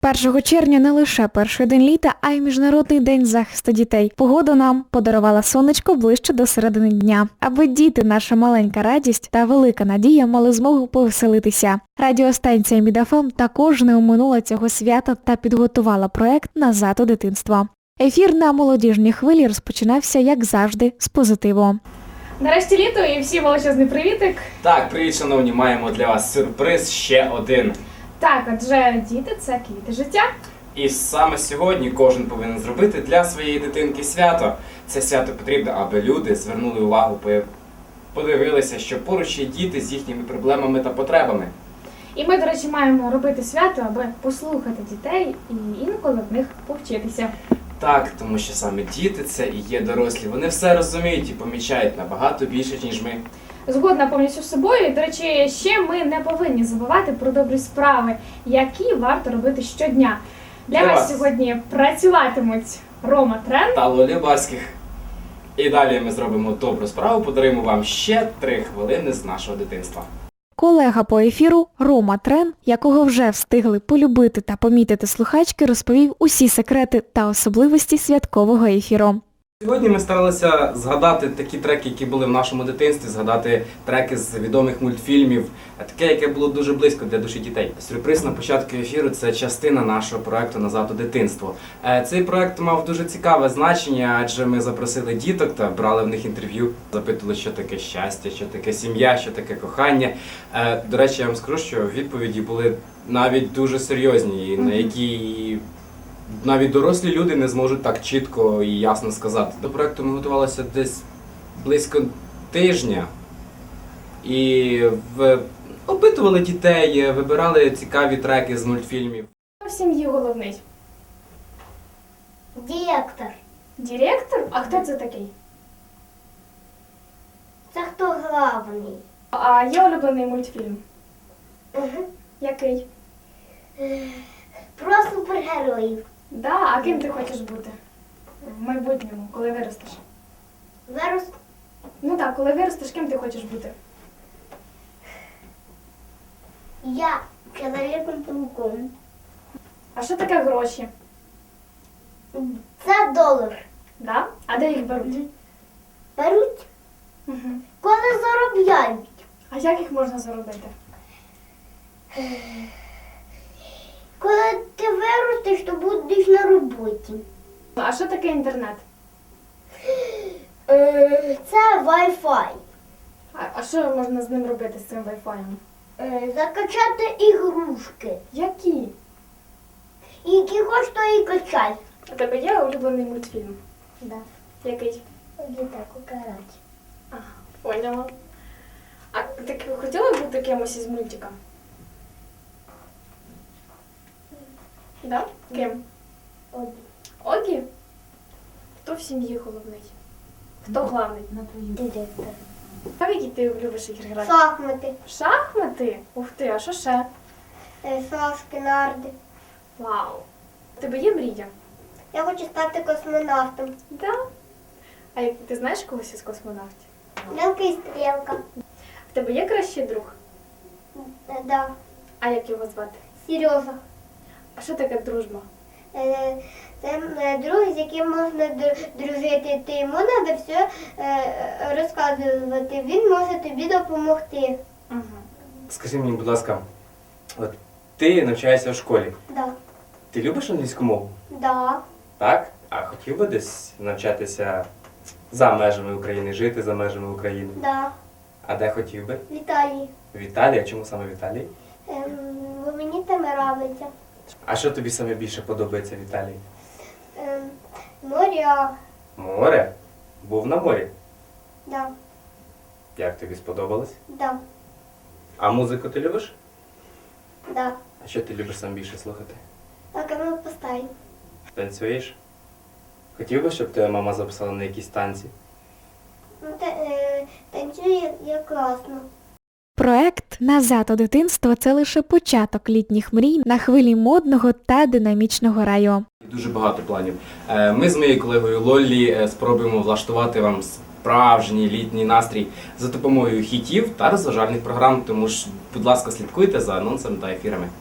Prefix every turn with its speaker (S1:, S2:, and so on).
S1: 1 червня не лише перший день літа, а й Міжнародний день захисту дітей. Погода нам подарувала сонечко ближче до середини дня. Аби діти, наша маленька радість та велика надія, мали змогу повеселитися. Радіостанція Мід-ФМ також не оминула цього свята та підготувала проект «Назад у дитинство». Ефір на молодіжній хвилі розпочинався, як завжди, з позитиву.
S2: Нарешті літо і всім величезний привітик.
S3: Так, привіт, шановні, маємо для вас сюрприз ще один.
S2: Так, адже діти – це квіти життя.
S3: І саме сьогодні кожен повинен зробити для своєї дитинки свято. Це свято потрібно, аби люди звернули увагу, подивилися, що поруч є діти з їхніми проблемами та потребами.
S2: І ми, до речі, маємо робити свято, аби послухати дітей і інколи в них повчитися.
S3: Так, тому що саме діти – це і є дорослі. Вони все розуміють і помічають набагато більше, ніж ми.
S2: Згодна повністю з собою. До речі, ще ми не повинні забувати про добрі справи, які варто робити щодня. Для вас сьогодні працюватимуть Рома Трен
S3: та Лолі Барських. І далі ми зробимо добру справу, подаруємо вам ще 3 хвилини з нашого дитинства.
S1: Колега по ефіру Рома Трен, якого вже встигли полюбити та помітити слухачки, розповів усі секрети та особливості святкового ефіру.
S3: Сьогодні ми старалися згадати такі треки, які були в нашому дитинстві, згадати треки з відомих мультфільмів, таке, яке було дуже близько для душі дітей. Сюрприз на початку ефіру – це частина нашого проєкту «Назад у дитинство». Цей проєкт мав дуже цікаве значення, адже ми запросили діток та брали в них інтерв'ю, запитували, що таке щастя, що таке сім'я, що таке кохання. До речі, я вам скажу, що відповіді були навіть дуже серйозні, на які навіть дорослі люди не зможуть так чітко і ясно сказати. До проєкту ми готувалися десь близько тижня і опитували дітей, вибирали цікаві треки з мультфільмів.
S2: в сім'ї головний.
S4: Директор.
S2: Директор? А хто це такий?
S4: Це хто главний?
S2: А є улюблений мультфільм?
S4: Угу.
S2: Який?
S4: Про супергероїв.
S2: Да, а ким ти хочеш бути в майбутньому, коли виростеш?
S4: Зараз
S2: Ну так, коли виростеш, ким ти хочеш бути?
S4: я чоловіком-пауком.
S2: А що таке гроші?
S4: Це долар.
S2: Да? А де їх беруть?
S4: Беруть,
S2: Угу.
S4: коли заробляють.
S2: А як їх можна заробити?
S4: Коли ти виростеш, то будеш на роботі.
S2: А що таке інтернет?
S4: Це Wi-Fi.
S2: А що можна з ним робити, з цим вайфаєм?
S4: Закачати ігрушки.
S2: Які?
S4: І які хочеш, то і качай.
S2: У тебе є улюблений мультфільм?
S4: Да.
S2: Який?
S4: Дітаку карать.
S2: Ага, поняла. А ти хотіла бути кимось із мультика? Да? Ким? Огі? Хто в сім'ї головний? Хто главний?
S4: Директор.
S2: А в які ти любиш ігри грати?
S4: Шахмати.
S2: Шахмати? Ух ти, а що ще?
S4: Шашки, нарди.
S2: Вау! У тебе є мрія?
S4: Я хочу стати космонавтом.
S2: Да. А як ти знаєш когось із космонавтів?
S4: Белка і стрілка.
S2: В тебе є кращий друг?
S4: Да.
S2: А як його звати?
S4: Сережа.
S2: А що таке дружба?
S4: Це друг, з яким можна дружити. Ти йому треба все розказувати. Він може тобі допомогти.
S2: Угу.
S3: Скажи мені, будь ласка, от ти навчаєшся в школі.
S4: Да.
S3: Ти любиш англійську мову?
S4: Да.
S3: Так? А хотів би десь навчатися за межами України, жити за межами України?
S4: Да.
S3: А де хотів би?
S4: Віталій.
S3: В Італії? А чому саме в Італії?
S4: Бо мені там нравиться.
S3: А що тобі саме більше подобається в Італії?
S4: Моря.
S3: Море? Був на морі.
S4: Да.
S3: Як тобі сподобалось?
S4: Да.
S3: А музику ти любиш?
S4: Да.
S3: А що ти любиш сам більше слухати?
S4: Так, а ми поставимо.
S3: Танцюєш? Хотів би, щоб тебе мама записала на якісь танці?
S4: Ну, танцює я класно.
S1: Проект «Назад у дитинство» – це лише початок літніх мрій на хвилі модного та динамічного раю.
S3: Дуже багато планів. Ми з моєю колегою Лоллі спробуємо влаштувати вам справжній літній настрій за допомогою хітів та розважальних програм. Тому ж, будь ласка, слідкуйте за анонсами та ефірами.